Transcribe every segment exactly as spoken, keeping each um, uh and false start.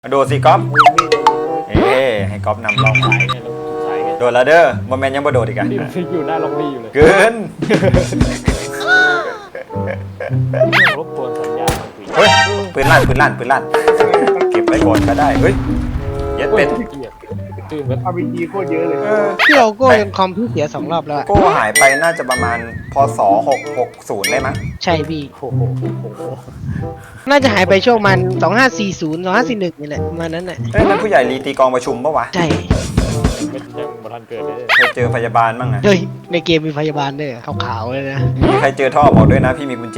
โดดสิก๊อฟเฮ้ให้ก๊อฟนำล่องไปโดดแล้วเด้อโมเมนต์ยังบ่โดดอีกอ่ะอยู่หน้าล็อบบี้อยู่เลยเกินรบกวนสัญญาณเฮ้ยปืนลั่นปืนลั่นปืนลั่นเก็บไว้ก่อนก็ได้เฮ้ยเย็ดเป็ดตื่นแบบอาร์พีจีโคตรเยอะเลยพี่โอโก้จนคอมพี่เสียสองรอบแล้วโก้หายไปน่าจะประมาณพศหกหกศูนย์ได้มั้งใช่พี่โอ้โหน่าจะหายไปช่วงมันสองห้าสี่ศูนย์สองห้าสี่หนึ่งนี่แหละประมาณนั้นแหละเอ้ยนั่นผู้ใหญ่รีตีกองประชุมปะวะใช่เป็นยังบัทันเกิดเลยเคยเจอพยาบาลบ้างนะเฮ้ยในเกมมีพยาบาลด้วยขาวๆเลยนะมีใครเจอท่อบอกด้วยนะพี่มีกุญแจ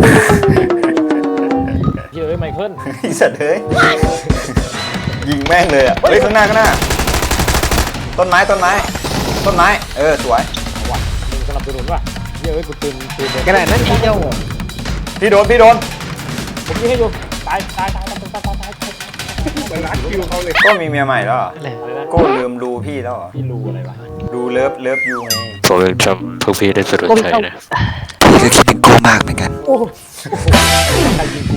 เฮ้ยไมเคิลไอ้สัตว์เฮ้ยยิงแม่งเลยอ่ะเฮ้ยข้างหน้าข้างหน้าต้นไม้ต้นไม้ต้นไม้เออสวยว่ะมึงสนับสนุนว่ะเฮ้ยกูตื่นตื่นกระดาษนั้นทีเดียวพี่โดนพี่โดนผมยิงให้ดูตายตายตายตายตายตายตายไปรักคิวเขาเลยก็มีเมียใหม่แล้วก็ลืมรูพี่แล้วพี่รูอะไรวะรูเลิฟเลิฟยูไงผมยังจำพวกพี่ได้สะดุดใจนะพี่ก็คิดถึงโก้มากเหมือนกันโอ้โหใครยิงกู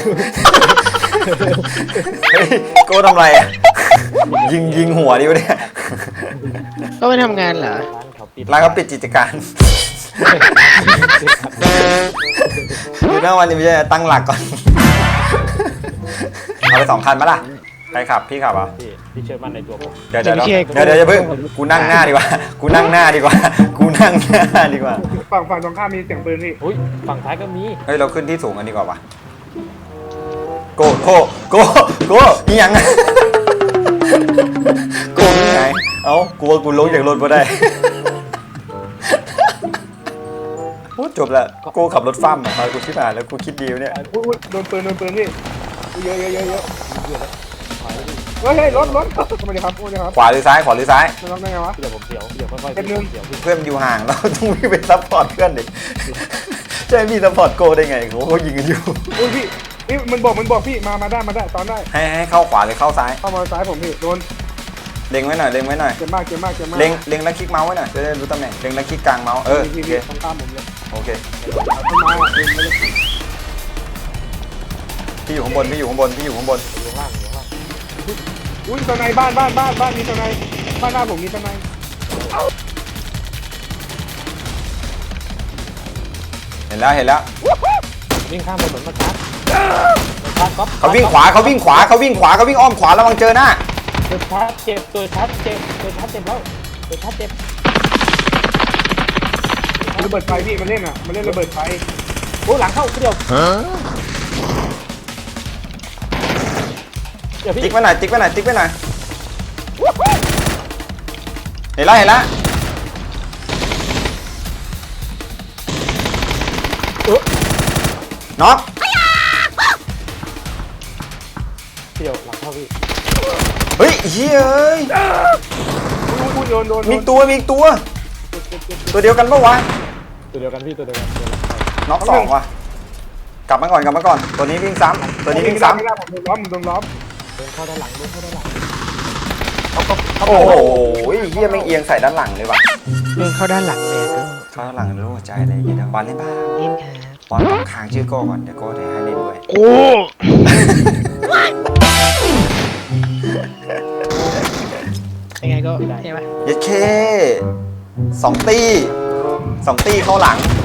เฮ้ยโก้ทำไรอ่ะยิงยิงหัวดิวะเนี่ยก็ไม่ทำงานเหรอร้านเขาปิดกิจการอยู่หน้าวันนี้ไม่ใช่ตั้งหลักก่อนเอาไปสองคันมาล่ะใครขับพี่ขับอ่ะพี่พี่เชื่อมั่นในตัวผมเดี๋ยวเดี๋ยวเดี๋ยวเดี๋ยวอย่าเพิ่งกูนั่งหน้าดีกว่ากูนั่งหน้าดีกว่ากูนั่งหน้าดีกว่าฝั่งฝั่งตรงข้ามมีเสียงปืนพี่อุ้ยฝั่งท้ายก็มีเฮ้ยเราขึ้นที่สูงกันดีกว่าวะโกโกโกโกนี่ยังโกนี่ไงเอ้ากลัวกูลงจากรถมาได้โอ้จบละโกขับรถฟ้ามมากูคิดมาแล้วกูคิดดีเนี่ยอุ้ยโดนปืนโดนปืนพี่เยอะเยอะเยอะเยอะเฮ้ยรถรถทำไมครับขวาหรือซ้ายขวาหรือซ้ายไม่ต้องได้ไงวะเดี๋ยวผมเสียวเดี๋ยวค่อยๆเพื่อนอยู่ห่างเราต้องวิ่งไปซัพพอร์ตเพื่อนดิใช่พี่ซัพพอร์ตโกได้ไงเขาเขายิงกันอยู่อุ้ยพี่นี่มันบอกมันบอกพี่มามาได้มาได้ตอนได้ให้ให้เข้าขวาหรือเข้าซ้ายเข้ามาซ้ายผมพี่โดนเล็งไว้หน่อยเล็งไว้หน่อยเจ็บมากเจ็บมากเจ็บมากเล็งเล็งแล้วคลิกเมาส์ไว้หน่อยจะได้รู้ตำแหน่งเล็งแล้วคลิกกลางเมาส์เออโอเคตามผมเลยโอเคมาพี่อยู่ข้างบนพี่อยู่ข้างบนพี่อยู่ข้างบนอยู่ข้างล่างอยู่ข้างล่างอุ้ยตอนไหนบ้านบ้านบ้านบ้านมีตอนไหนบ้านหน้าผมมีตอนไหนเห็นแล้วเห็นแล้ววิ่งข้ามถนนมาครับเขาวิ่งขวาเขาวิ่งขวาเขาวิ่งขวาเขาวิ่งอ้อมขวาระวังเจอหน้าตัวชัดเจ็บตัวชัดเจ็บตัวชัดเจ็บแล้วตัวชัดเจ็บระเบิดไฟพี่มันเล่นอ่ะมันเล่นระเบิดไฟโอ้หลังเข้าเดียวติ๊กไว้หน่อยติ๊กไว้หน่อยติ๊กไว้หน่อยเห็นแล้วเห็นแล้วน็อกเดียวหลังเข้าพี่เฮ้ยเฮ้ยมีตัวมีตัวตัวเดียวกันปะวะตัวเดียวกันพี่ตัวเดียวกันน็อกสองว่ะกลับมาก่อนกลับมาก่อนตัวนี้วิ่งซ้ำตัวนี้วิ่งซ้ำผมโดนล้อมผมโดนล้อมเดินเข้าด้านหลังเดินเข้าด้านหลังโอ้โหเฮียไม่เอียงใส่ด้านหลังเลยว่ะเดินเข้าด้านหลังเลยก็เข้าด้านหลังรู้หัวใจอะไรอย่างเงี้ยบอลเล่นบ้าเล่นค่ะบอลต้องค้างชื่อโก้ก่อนเดี๋ยวโก้จะให้เล่นด้วยโอ้ยังไงก็ใช่ไหมยัดเคสองตีสองตีเข้าหลัง